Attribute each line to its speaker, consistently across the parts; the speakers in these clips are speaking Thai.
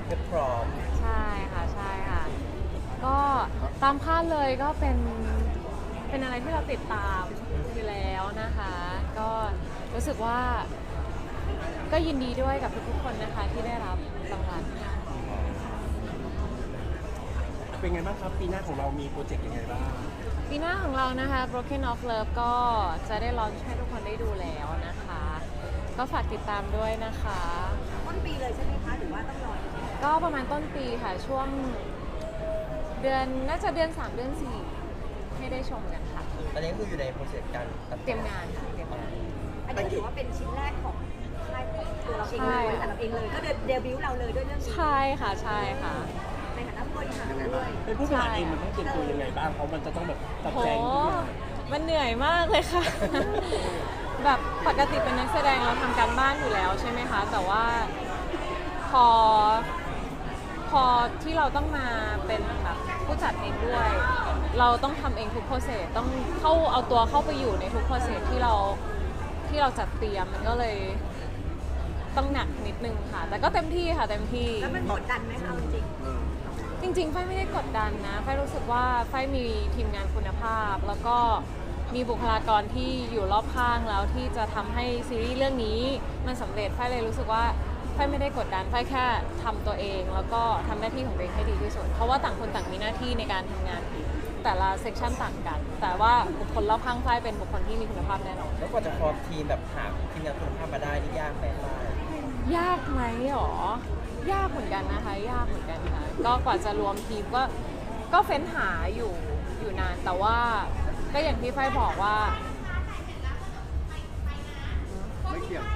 Speaker 1: เพชรพร้อม
Speaker 2: ใช่ค่ะใช่ค่ะก็ตามคาดเลยก็เป็นอะไรที่เราติดตามอยู่แล้วนะคะ ก็รู้สึกว่าก็ยินดีด้วยกับทุกๆคนนะคะที่ได้รับรางวัล
Speaker 3: เป็นไงบ้างครับปีหน้าของเรามีโปรเจกต์ยังไงบ้าง
Speaker 2: ปีหน้าของเรานะคะ Broken of Love ก็จะได้ลอนช์ให้ทุกคนได้ดูแล้วนะคะ ก็ฝากติดตามด้วยนะคะ
Speaker 4: ต้นปีเลยใช่ไหมคะหรือว่าต้องรอ
Speaker 2: ก็ประมาณต้นปีค่ะช่วงเดือนน่าจะเดือน 3 เดือน 4 ให้ได้ชมกันค่ะ
Speaker 1: ตอนนี้คืออยู่ในโปรเซสการตัดต่อ
Speaker 2: เตรียมงานค่ะเตรียมงาน
Speaker 4: อันนี้ถือว่าเป็นชิ้นแรกของค่ายตัวเราเองเลยแต่เราเองเลยก็เดบิวต์เราเลยด้วยเรื่องนี้
Speaker 2: ใช่ค่ะใช่ค่ะ
Speaker 4: ในฐานะผู้บริหารด้วย
Speaker 3: เป็นผู้บริหารเองมันต้องเตรียมตัวยังไงบ้างเพราะมันจะต้องแบบจัด
Speaker 2: โห
Speaker 3: แจงทุกอย่าง
Speaker 2: มันเหนื่อยมากเลยค่ะ แบบปกติเป็นนักแสดงเราทำการบ้านอยู่แล้วใช่ไหมคะ แต่ว่าพอที่เราต้องมาเป็นแบบผู้จัดเองด้วย เราต้องทำเองทุกโปรเซสต้องเอาตัวเข้าไปอยู่ในทุกโปรเซสที่เราจัดเตรียมมันก็เลยต้องหนักนิดนึงค่ะ แต่ก็เต็มที่ค่ะเต็มที่
Speaker 4: แล้วมันกดดันไหมคะจริง
Speaker 2: จริงๆ ไฟไม่ได้กดดันนะ ไฟรู้สึกว่าไฟมีทีมงานคุณภาพ แล้วก็มีบุคลากรที่อยู่รอบข้างแล้วที่จะทำให้ซีรีส์เรื่องนี้มันสำเร็จ ไฟเลยรู้สึกว่าไฟไม่ได้กดดัน ไฟแค่ทำตัวเอง แล้วก็ทำหน้าที่ของตัวเองให้ดีที่สุด เพราะว่าต่างคนต่างมีหน้าที่ในการทำงานแต่ละเซกชันต่างกัน แต่ว่าบุคคลรอบข้างไฟเป็นบุคคลที่มีคุณภาพแน่นอน
Speaker 1: แล้วกว่าจะฟอร์มทีมแบบหาทีมงานคุณภาพมาได้นี่ยากไหมป้าย
Speaker 2: ยากไหมหรอ ยากเหมือนกันนะคะ ยากเหมือนกันค่ะ ก็กว่าจะรวมทีมก็เฟ้นหาอยู่นาน แต่ว่าก็อย่างที่ไฟบอกว่า
Speaker 5: ไม่เกี่ยว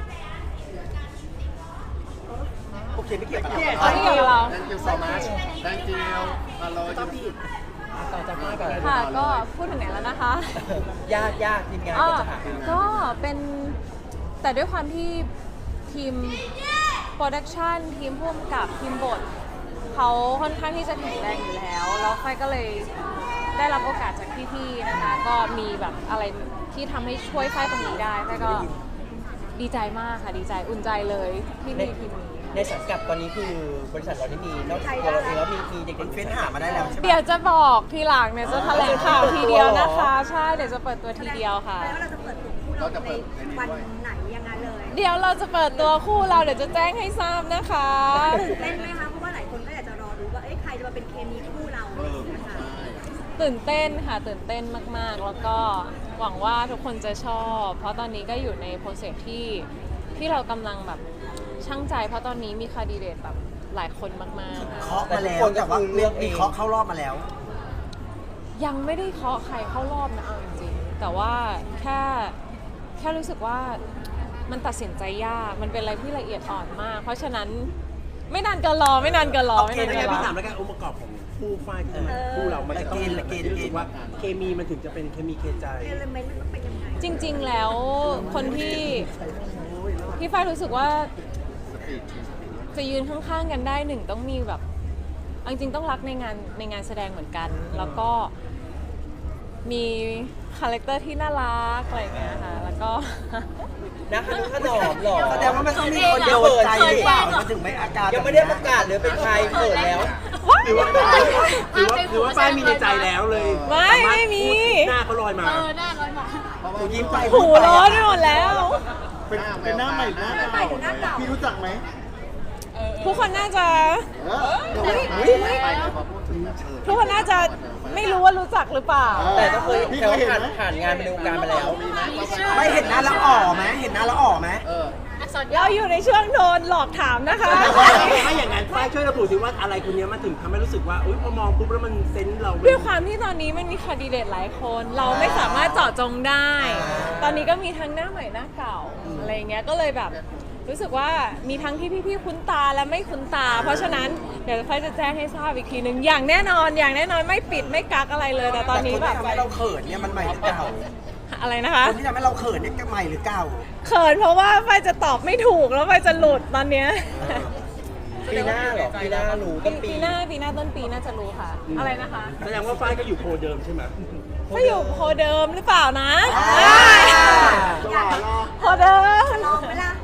Speaker 3: โอเคไม่เกี่ยวกับ
Speaker 2: ไม่เกี่ยวกับเรา
Speaker 5: thank you so much thank you ฮัลโหล
Speaker 3: ต้องพี่
Speaker 1: ต่อจากป้ายก่อน
Speaker 2: ค่ะ ก็พูดถึงไหนแล้วนะคะ
Speaker 1: ยากทีมงาน
Speaker 2: อ่า
Speaker 1: ก็จะหา
Speaker 2: ก็เป็นแต่ด้วยความที่ทีมโปรดักชันทีมผู้กำกับทีมบทเขาค่อนข้างที่จะแข็งแรงอยู่แล้ว แล้วไฟก็เลยได้รับโอกาสจากพี่ๆนะคะ ก็มีแบบอะไรที่ทำให้ช่วยไฟตรงนี้ได้ไฟก็ดีใจมากค่ะดีใจอุ่นใจเลยที่มีทีมนี้
Speaker 1: ในสังกัดตอนนี้คือบริษัทเราได้มีนอกจากตัวเราเองแล้วมีเด็กๆเฟ้นหามาได้แล้วใช่ไหม
Speaker 2: เดี๋ยวจะบอกทีหลังเนี่ยจะแถลงข่าวทีเดียวนะคะ ใช่เดี๋ยวจะเปิดตัวทีเดียวค่ะ
Speaker 4: แล้วเราจะเปิดตัวคู่เราในวันไหนยังไงเลย
Speaker 2: เดี๋ยวเราจะเปิดตัวคู่เราเดี๋ยวจะแจ้งให้ทราบนะคะ
Speaker 4: ตื่นเต้นไหมคะเพราะว่าหลายคนก็อยากจะรอรู้ว่าเอ้ยใครจะมาเป็นเคมีคู่เรานะคะ
Speaker 2: ตื่นเต้นค่ะตื่นเต้นมากๆ แล้วก็หวังว่าทุกคนจะชอบ เพราะตอนนี้ก็อยู่ในโปรเซสที่เรากำลังแบบช่างใจ เพราะตอนนี้มีคาดีเดตแบบหลายคนมากๆค่ะ
Speaker 6: เคาะมาแล้วแต่ว่ามีเคาะเข้ารอบมาแล้ว
Speaker 2: ยังไม่ได้เคาะใครเข้ารอบนะเอาจริงๆแต่ว่าแค่รู้สึกว่ามันตัดสินใจยากมันเป็นอะไรที่ละเอียดอ่อนมาก เพราะฉะนั้นไม่นานเกินรอไม่นานเกินรอไม่นาน
Speaker 3: ไม่
Speaker 2: เกิ
Speaker 3: งั้
Speaker 2: น
Speaker 3: น
Speaker 2: รอ
Speaker 3: พี่ถามแล้วกันองค์ประกอบของคู่ฝ่ายที่จะมาคู่เรามันจะต้องรู้สึกว่าเคมีมันถึงจะเป็นเคมีเคใจ
Speaker 4: เอลเมนต์มันต้องเป็นยังไง
Speaker 2: จริงๆ แล้วคนที่ฝ้ายรู้สึกว่าจะยืนข้างๆ กันได้หนึ่งต้องมีแบบเอาจริงๆต้องรักในงานแสดงเหมือนกัน แล้วก็มีคาแรคเตอร์ที่น่ารักอะไรอย่างเงี้ยค่ะแล้วก็
Speaker 1: นะคะขนมหรอ
Speaker 6: แสดงว่ามันต้องมีคนโดนใจหรือเปล่ามันถึงไม่อาการ
Speaker 1: ยังไม่ได้ประกาศเลยเป็นใครเกิดแล้ว
Speaker 3: หรือว่าป้ายมีในใจแล้วเลย
Speaker 2: ไม่มี
Speaker 3: หน้าเขาลอยมา
Speaker 6: หนูยิ้มไป
Speaker 2: หูร้อนไปหมดแล้ว
Speaker 5: เป็นหน้าใหม่หน้าเก่าพี่รู้จักไหม
Speaker 2: ทุกคนน่าจะ
Speaker 5: ไปพอพูดถึง
Speaker 2: ทุกคนน่าจะไม่รู้ว่ารู้จักหรือเปล่า
Speaker 1: แต่ก็เคยผ่านงานในวงการมาแล้ว
Speaker 6: ไม่เห็นหน้าแล้วอ่อไหมเห็นหน้าแล้วอ่อไหม
Speaker 2: เราอยู่ในช่วงโดนหลอกถามนะคะ
Speaker 3: ถ้าอย่างนั้นป้ายช่วยระบุสิว่าอะไรคนนี้มันถึงทำให้รู้สึกว่าอุ้ยพอมองปุ๊บแล้วมันเซนส์เรา
Speaker 2: ด้วยความที่ตอนนี้มันมีคาดีเดตหลายคน เราไม่สามารถเจาะจงได้ ตอนนี้ก็มีทั้งหน้าใหม่หน้าเก่าอะไรเงี้ย ก็เลยแบบรู้สึกว่ามีทั้งที่พี่ๆคุ้นตาและไม่คุ้นตา เพราะฉะนั้นเดี๋ยวค่อยจะแจ้งให้ทราบอีกทีหนึ่งอย่างแน่นอนไม่ปิดไม่กักอะไรเลย แต่ตอนนี้แบบ
Speaker 6: คนที่ทำให้เราเขินเนี่ยมันใหม่หรือเก่า
Speaker 2: อะไรนะคะ
Speaker 6: คนที่ทำให้เราเขินเนี่ยใหม่หรือเก่า
Speaker 2: เขินเพราะว่าไฟจะตอบไม่ถูกแล้วไฟจะหลุดตอนเนี้ย
Speaker 1: ปีหน้าเหรอปีหน้ารู้ต้นปี
Speaker 2: ปีหน้าต้นปีน่าจะรู้ค่ะ อะไรนะคะ
Speaker 3: แสดงว่าฝ้ายก็อยู่โพลเดิมใช่ไหม
Speaker 2: ก็อยู่โพลเดิมหรือเปล่านะ
Speaker 6: อ่า
Speaker 2: โพลเดิม
Speaker 4: ลองไหมล่ะ
Speaker 2: โพ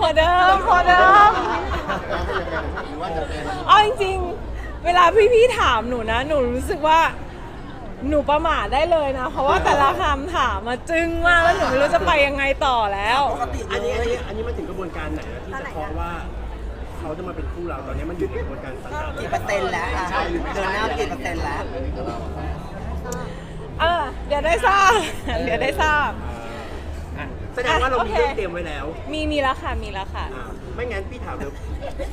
Speaker 2: พอเดิมเอาจริงๆเวลาพี่ๆถามหนูนะหนูรู้สึกว่าหนูประมาทได้เลยนะเพราะว่าแต่ละคำถามมาจึ้งมากแล้วหนูไม่รู้จะไปยังไงต่อแล้ว
Speaker 3: อันนี้มันถึงกระบวนการไหนแล้วที่จะเคาะว่าเขาจะมาเป็นคู่เราตอนนี้มันอยู่ในกระบวนการสัญญา
Speaker 6: กี่เปอร์เซ็นต์แล้วอ่ะเดินหน้ากี่เปอร์เซ็นต์แล้ว
Speaker 2: เดี๋ยวได้ทราบ
Speaker 3: แสดงว่าเรามีเรื่องเตรียมไว้แล้ว
Speaker 2: มีแล้วค่ะ
Speaker 3: ไม่งั้นพี่ถามเดี๋ยว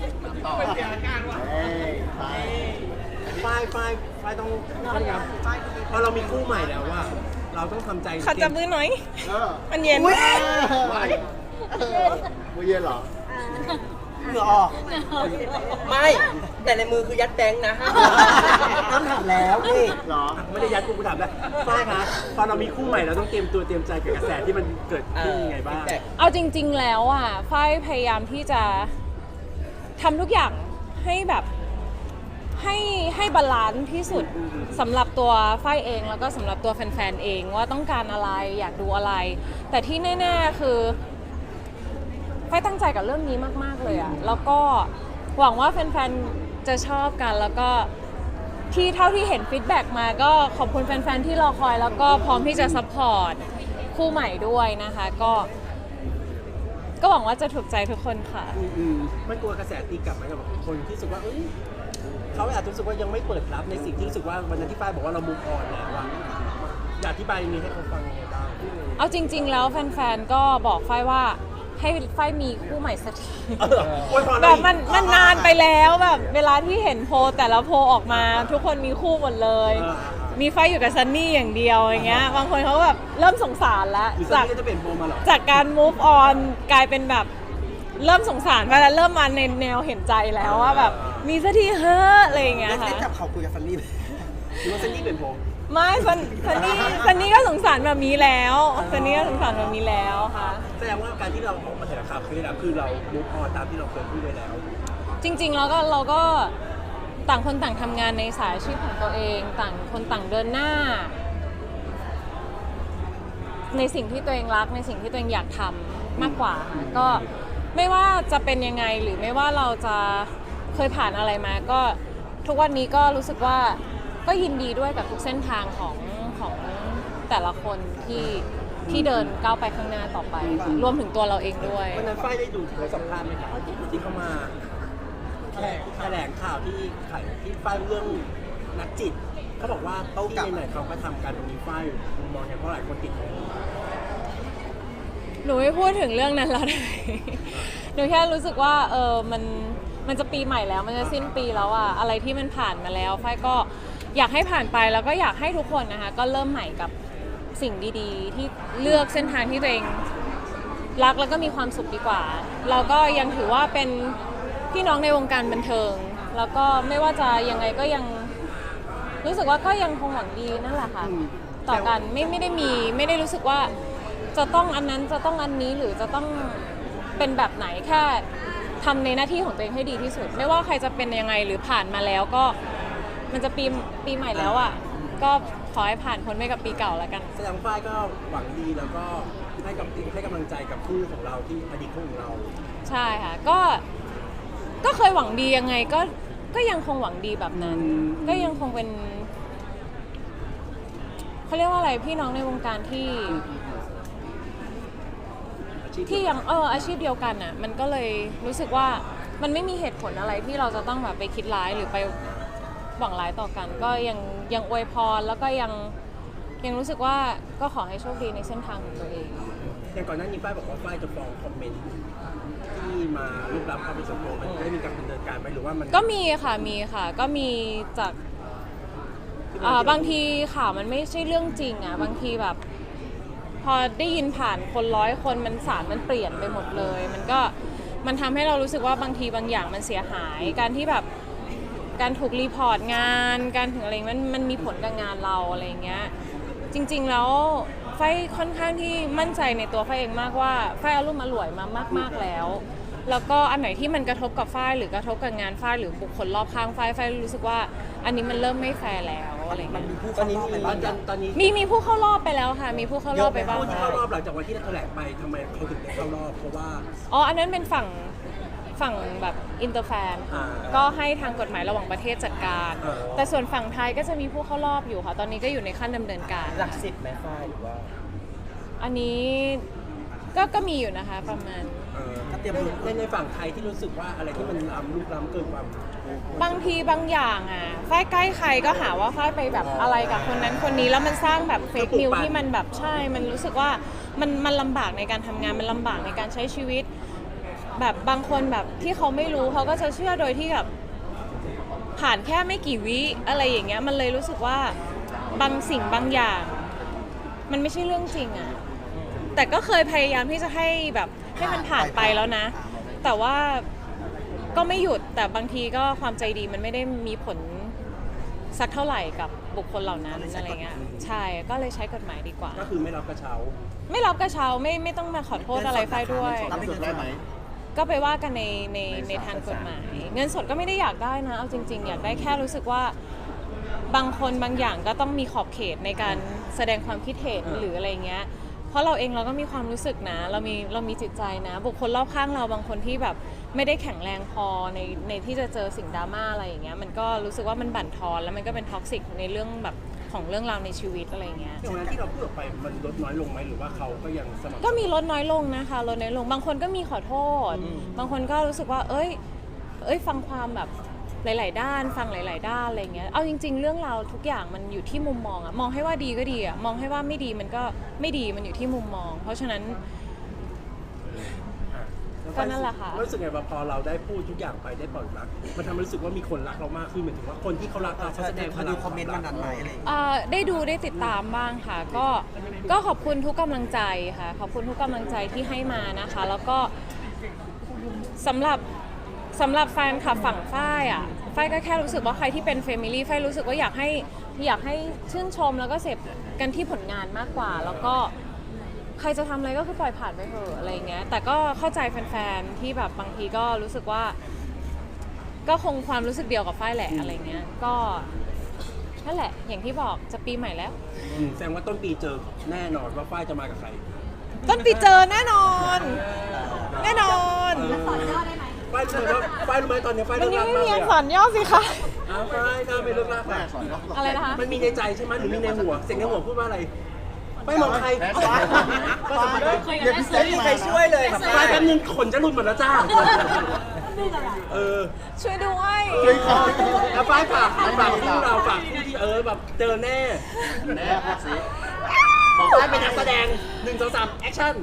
Speaker 3: ฝ้ายต้องครับพอเรามีคู่ใหม่แล้วว่า เราต้องทำใจ
Speaker 2: ขอจับมือหน่อยมันเย็น
Speaker 5: มือเย็นเหรอ
Speaker 6: เหงื่อออกไม่แต่ในมือคือยัดแบงค์นะต้องถามแล้วพี่
Speaker 5: เหรอ
Speaker 3: ไม่ได้ยัดกูถามแล้วฝ้ายคะพอเรามีคู่ใหม่เราต้องเตรียมตัวเตรียมใจกับกระแสที่มันเกิดขึ้นยังไงบ้าง
Speaker 2: เอาจริง ๆ แล้วอ่ะฝ้ายพยายามที่จะทำทุกอย่างให้แบบให้บาลานซ์ที่สุดสำหรับตัวฝ้ายเองแล้วก็สำหรับตัวแฟนๆเองว่าต้องการอะไรอยากดูอะไร แต่ที่แน่ๆคือฝ้ายตั้งใจกับเรื่องนี้มากๆเลยอ่ะแล้วก็หวังว่าแฟนๆจะชอบกันแล้วก็ที่เท่าที่เห็นฟีดแบ็กมาก็ขอบคุณแฟนๆที่รอคอยแล้วก็พร้อมที่จะซัพพอร์ตคู่ใหม่ด้วยนะคะก็หวังว่าจะถูกใจทุกคนค่ะ
Speaker 3: ไม่กลัวกระแสตีกลับไหมกับคนที่รู้สึกว่าเขาอาจจะรู้สึกว่ายังไม่เปิดรับในสิ่งที่รู้สึกว่าวันนั้นที่ฝ้ายบอกว่าเรามูฟออนแล้วอะอยากอธิบายนี้ให้เขาฟังยังไงบ้าง
Speaker 2: เอาจริงๆแล้วแฟนๆก็บอกฝ้ายว่าให้ฝ้ายมีคู่ใหม่สักทีแบบมันนานไปแล้วแบบเวลาที่เห็นโพลแต่ละโพลออกมาทุกคนมีคู่หมดเลยมีฝ้ายอยู่กับซันนี่อย่างเดียวอย่างเงี้ยบางคนเขาแบบเริ่มสงสารแล้วจากการ move on กลายเป็นแบบเริ่มสงสารไปแล้วเริ่มมาในแนวเห็นใจแล้วว่าแบบมีสักทีเฮ้ออะไรอย่างเงี้ยค่ะ
Speaker 6: ได้จับเขาคุยกับซันนี่ไหม
Speaker 3: หรือว่าซันนี่เป็นผม
Speaker 2: ไม่ซันนี่ก็สงสารแบบนี้แล้วซันนี่ก็สงสารแบบนี้แล้วค่ะ
Speaker 3: แสดงว่าการที่เราออกมาแถลงข่าวคือเรามูฟออนตามที่เราเคยพูดไปแล้ว
Speaker 2: จริงๆเราก็ต่างคนต่างทำงานในสายอาชีพของตัวเองต่างคนต่างเดินหน้า ในสิ่งที่ตัวเองรักในสิ่งที่ตัวเองอยากทำมากกว่าก็ไม่ว่าจะเป็นยังไงหรือไม่ว่าเราจะเคยผ่านอะไรมาก็ทุกวันนี้ก็รู้สึกว่าก็ยินดีด้วยกับทุกเส้นทางของแต่ละคนที่เดินก้าวไปข้างหน้าต่อไปรวมถึงตัวเราเองด้วย
Speaker 3: วันนั้นฝ้ายได้ดูสัมภาษณ์ไหมครับที่เขามาแถลงข่าวที่ฝ้ายเรื่องนักจิตเขาบอกว่าที่ไหนเขาก็ทำการตรงนี้ฝ้ายมองอย่างเพราะหลายคนติด
Speaker 2: หนูไม่พูดถึงเรื่องนั้นแล้วได้หนูแค่รู้สึกว่ามันจะปีใหม่แล้วมันจะสิ้นปีแล้วอะอะไรที่มันผ่านมาแล้วฝ้ายก็อยากให้ผ่านไปแล้วก็อยากให้ทุกคนนะคะก็เริ่มใหม่กับสิ่งดีๆที่เลือกเส้นทางที่ตัวเองรักแล้วก็มีความสุขดีกว่าเราก็ยังถือว่าเป็นพี่น้องในวงการบันเทิงแล้วก็ไม่ว่าจะยังไงก็ยังรู้สึกว่าก็ยังคงหวังดีนั่นแหละค่ะต่อกันไม่ได้รู้สึกว่าจะต้องอันนั้นจะต้องอันนี้หรือจะต้องเป็นแบบไหนแค่ทำในหน้าที่ของตัวเองให้ดีที่สุดไม่ว่าใครจะเป็นยังไงหรือผ่านมาแล้วก็มันจะปีใหม่แล้วอ่ะก็ขอให้ผ่านพ้นไปกับปีเก่าแล้วกัน
Speaker 3: แสดงฝ้ายก็หวังดีแล้วก็ให้กำลังใจกับคู่ของเราที่อดีตคู่ของเรา
Speaker 2: ใช่ค่ะก็เคยหวังดียังไงก็ยังคงหวังดีแบบนั้นก็ยังคงเป็นเขาเรียกว่าอะไรพี่น้องในวงการที่ยังอาชีพเดียวกันอ่ะมันก็เลยรู้สึกว่ามันไม่มีเหตุผลอะไรที่เราจะต้องแบบไปคิดร้ายหรือไปหวังร้ายต่อกันก็ยังอวยพรแล้วก็ยังรู้สึกว่าก็ขอให้โชคดีในเส้นทางของตัวเอง
Speaker 3: อย่างก่อนหน้านี้ฝ้ายบอกว่าฝ้ายจะฟ้องคอมเมนต์ที่มาลุกล้ำความเป็นส่วนตัวมันได้มีการดำเนินการไหมหรือว่ามัน
Speaker 2: ก็มีค่ะก็มีจากบางทีข่าวมันไม่ใช่เรื่องจริงอ่ะบางทีแบบพอได้ยินผ่านคน100 คนสารมันเปลี่ยนไปหมดเลยมันทำให้เรารู้สึกว่าบางทีบางอย่างมันเสียหายการที่แบบการถูกรีพอร์ตงานการถึงอะไรมันมีผลกับงานเราอะไรเงี้ยจริงๆแล้วฝ้ายค่อนข้างที่มั่นใจในตัวฝ้ายเองมากว่าฝ้ายอารมณ์อร่วยมามากๆแล้วก็อันไหนที่มันกระทบกับฝ้ายหรือกระทบกับงานฝ้ายหรือบุคคลรอบข้างฝ้ายรู้สึกว่าอันนี้มันเริ่มไม่แฟร์แล้วอะไรเงี้ย
Speaker 6: ตอนนี้มี
Speaker 3: ตอนนี้
Speaker 2: มีผู้เข้ารอบไปแล้วค่ะ มีผู้เข้ารอบไปบ้าง
Speaker 3: ผู้ที่เข้ารอบหลังจากวันที่เราแถลงไปทำไมเขาถึงได้เข้ารอบเพราะว่า
Speaker 2: อ๋ออันนั้นเป็นฝั่งแบบอินเตอร์แฟน
Speaker 3: อ่า
Speaker 2: ก็ให้ทางกฎหมายระหว่างประเทศจัดการ แต่ส่วนฝั่งไทยก็จะมีผู้เข้ารอบอยู่ค่ะ ตอนนี้ก็อยู่ในขั้นดำเนินการ
Speaker 6: หลัก10ไหมฝ้ายหรือว่า
Speaker 2: อันนี้ก็มีอยู่นะคะประมาณ
Speaker 3: ในฝั่งไทยที่รู้สึกว่าอะไรที่มันลุกล้ำเกินความ
Speaker 2: บางทีบางอย่างอ่ะฝ้ายใกล้ใครก็หาว่าฝ้ายไปแบบอะไรกับคนนั้นคนนี้แล้วมันสร้างแบบเฟกนิวที่มันแบบใช่ มันรู้สึกว่ามันลำบากในการทำงานมันลำบากในการใช้ชีวิต แบบบางคนแบบที่เขาไม่รู้เขาก็จะเชื่อโดยที่แบบผ่านแค่ไม่กี่วิอะไรอย่างเงี้ยมันเลยรู้สึกว่าบางสิ่งบางอย่าง มันไม่ใช่เรื่องจริงอ่ะแต่ก็เคยพยายามที่จะให้แบบให้มันผ่านไปแล้วนะ แต่ว่าก็ไม่หยุดแต่บางทีก็ความใจดีมันไม่ได้มีผลสักเท่าไหร่กับบุคคลเหล่านั้นอะไรเงี้ยใช่ก็เลยใช้กฎหมายดีกว่า
Speaker 3: ก็คือไม่รับกระเช้า
Speaker 2: ไม่รับกระเช้าไม่ต้องมาขอโทษอะไรไฟด้วย
Speaker 5: รับเงินได้ไหม
Speaker 2: ก็ไปว่ากันในทางกฎหมาย เงินสดก็ไม่ได้อยากได้นะเอาจริง ๆ อยากได้แค่รู้สึกว่าบางคนบางอย่างก็ต้องมีขอบเขตในการแสดงความคิดเห็นหรืออะไรเงี้ยเพราะเราเองเราก็มีความรู้สึกนะเรามีจิตใจนะ บุคคลรอบข้างเราบางคนที่แบบไม่ได้แข็งแรงพอในที่จะเจอสิ่งดราม่าอะไรอย่างเงี้ยมันก็รู้สึกว่ามันบั่นทอนแล้วมันก็เป็นท็อกซิกในเรื่องแบบของเรื่องราวในชีวิตอะไรเงี้ย
Speaker 3: ตรงนั้นที่เราพูดออกไปมันลดน้อยลงไหมหรือว่าเขาก็ยังสม่ำ
Speaker 2: ก็มีลดน้อยลงนะคะลดน้อยลงบางคนก็มีขอโทษ บางคนก็รู้สึกว่าเอ้ยฟังความแบบหลายๆด้านฟังหลายๆด้านอะไรเงี้ยเอาจริงๆเรื่องราวทุกอย่างมันอยู่ที่มุมมองอะมองให้ว่าดีก็ดีอะมองให้ว่าไม่ดีมันก็ไม่ดีมันอยู่ที่มุมมอง เพราะฉะนั้นก็นั่นแหละค่ะ
Speaker 3: รู้สึกไงว่าพอเราได้พูดทุกอย่างไปได้ปล่อยรักมันทำให้รู้สึกว่ามีคนรักเรามากขึ้นหมายถึงว่าคนที่เขารักเราเขาแสดงพลัง
Speaker 1: คอมเมนต์วันนั้นไหมอะไรอย่างเงี้ย
Speaker 2: ได้ดูได้ติดตามบ้างค่ะก็ขอบคุณทุกกำลังใจค่ะขอบคุณทุกกำลังใจที่ให้มานะคะ แล้วก็สำหรับแฟนคลับฝั่งฝ้ายอ่ะฝ้ายก็แค่รู้สึกว่าใครที่เป็นเฟมิลี่ฝ้ายรู้สึกว่าอยากให้ชื่นชมแล้วก็เสพกันที่ผลงานมากกว่า แล้วก็ใครจะทำอะไรก็คือปล่อยผ่านไปเถอะอะไรเงี้ยแต่ก็เข้าใจแฟนๆที่แบบบางทีก็รู้สึกว่าก็คงความรู้สึกเดียวกับฝ้ายแหละอะไรเงี้ยก็นั่นแหละอย่างที่บอกจะปีใหม่แล้ว
Speaker 3: แสดงว่าต้นปีเจอแน่นอนว่าฝ้ายจะมากับใคร
Speaker 2: ต้นปีเจอแน่นอนแน่นอน
Speaker 4: สอนย่อได้ไหม
Speaker 3: ฝ้ายรู้ไหมว่าฝ้ายรู้ไหมตอนนี้ฝ้าย
Speaker 2: มัน
Speaker 3: เลิก
Speaker 2: ยัง
Speaker 3: รัก
Speaker 2: ไม่
Speaker 3: มาก
Speaker 2: มี
Speaker 3: เลย
Speaker 2: อักษ
Speaker 3: อะ
Speaker 2: รย่อสิคะ
Speaker 3: อ้าวฝ้ายน่าไปเลิกรัก
Speaker 5: แม่
Speaker 3: อะ
Speaker 5: สอนว่า
Speaker 2: อะไรนะคะ
Speaker 3: มันมีในใจใช่ไหมหรือมีในหัวเสียงในหัวพูดว่าอะไรไม่มองใคร
Speaker 5: เดี๋ยวพี่เซ็ต
Speaker 6: ไม่มี
Speaker 5: มา
Speaker 6: ใครช่วยเลยครับ
Speaker 3: ฝ้ายแป๊บนึงขนจะหลุดหมดแล้วจ้าเออ
Speaker 2: ช่วยด้วย
Speaker 5: ช่วยขอ
Speaker 3: แล้วฝ้ายฝากคู่เราฝากคู่ที่แบบเจอแน่
Speaker 5: แม่พูดสิ
Speaker 3: บอกฝ้ายเป็นนักแสดง1 2 3แอคชั่น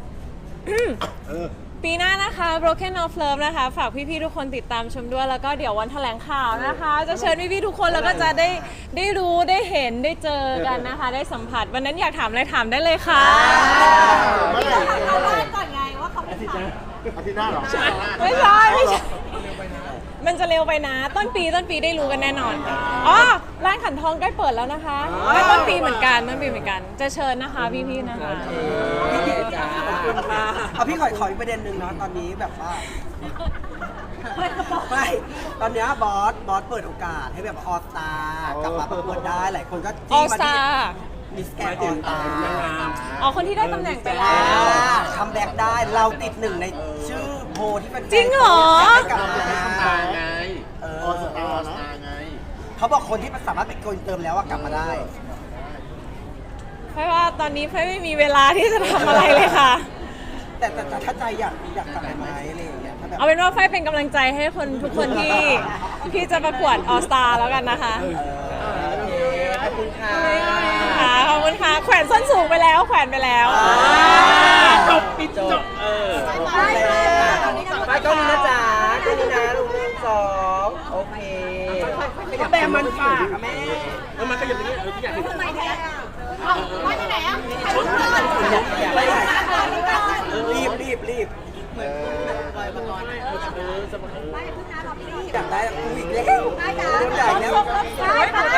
Speaker 2: ปีหน้านะคะ Broken of Love นะคะ ฝากพี่ๆทุกคนติดตามชมด้วย แล้วก็เดี๋ยววันแถลงข่าวนะคะ จะเชิญพี่ๆทุกคนแล้วก็จะได้รู้ได้เห็นได้เจอกันนะคะ ได้สัมผัสวันนั้นอยากถามอะไรถามได้เลยค่ะ
Speaker 5: เมื่อไหร่
Speaker 4: เอาเริ่มก่อนไงว่าเขาเป็นใคร
Speaker 5: อาทิตย์หน้าเหรอ
Speaker 2: ไม่ใช่มันจะเร็วไปนะ ต้นปีได้รู้กันแน่นอนค่ะอ๋อร้านขันทองใกล้เปิดแล้วนะคะก็ต้นปีเหมือนกันจะเชิญนะคะพี่ๆนะคะ
Speaker 1: เอาพี่ขออีกประเด็นหนึ่งเนาะตอนนี้แบบว่าไม่ตอนเนี้ยบอสเปิดโอกาสให้แบบออสตากลับมาประกวดได้หลายคนก็
Speaker 2: อ
Speaker 1: จี้
Speaker 2: อ
Speaker 1: มา
Speaker 2: สตา
Speaker 1: ที่มิสแกรนด์ออสตา
Speaker 2: อ๋อคนที่ได้ตำแหน่งไปแล้ว
Speaker 1: คัมแบ็กได้เราติดหนึ่งในชื่อโพลที่เป็น
Speaker 2: จริงเหรอ
Speaker 1: ให้กลับมา
Speaker 5: ตาไงออสตาร์นะไง
Speaker 1: เขาบอกคนที่สามารถเป็นโกนเติมแล้วอะกลับมาได้
Speaker 2: เพราะว่าตอนนี้เพไม่มีเวลาที่จะทำอะไรเลยค่ะ
Speaker 1: แต่ถ้าใจอยากกลับไปไหมอะไรอย่างเงี้ยถ้าแบบ
Speaker 2: เอาเป็นว่าไฟเป็นกำลังใจให้คนทุกคนที่จะประกวดออสตาแล้วกันนะคะ
Speaker 6: ขอบคุณค่ะ
Speaker 2: ค่ะขอบคุณค่ะแขวนส้นสูงไปแล้วแขวนไปแล้ว
Speaker 3: จบปิดจบ
Speaker 6: ไปก็นี้นะจ๊ะก็นี้นะลุง1 2โอเคก็แบมันฝากอะแม่
Speaker 3: แล้วมันก็อย่างนี้ทุกอย่าง
Speaker 4: ทำไมแพ้ว่าที่ไหนอ่ะ
Speaker 1: รีบ
Speaker 5: เออ
Speaker 4: ไม่พึ่งนะเราพี่
Speaker 1: อยากได้กูอีกแล้วโดนใหญ่แล้ว
Speaker 4: ได้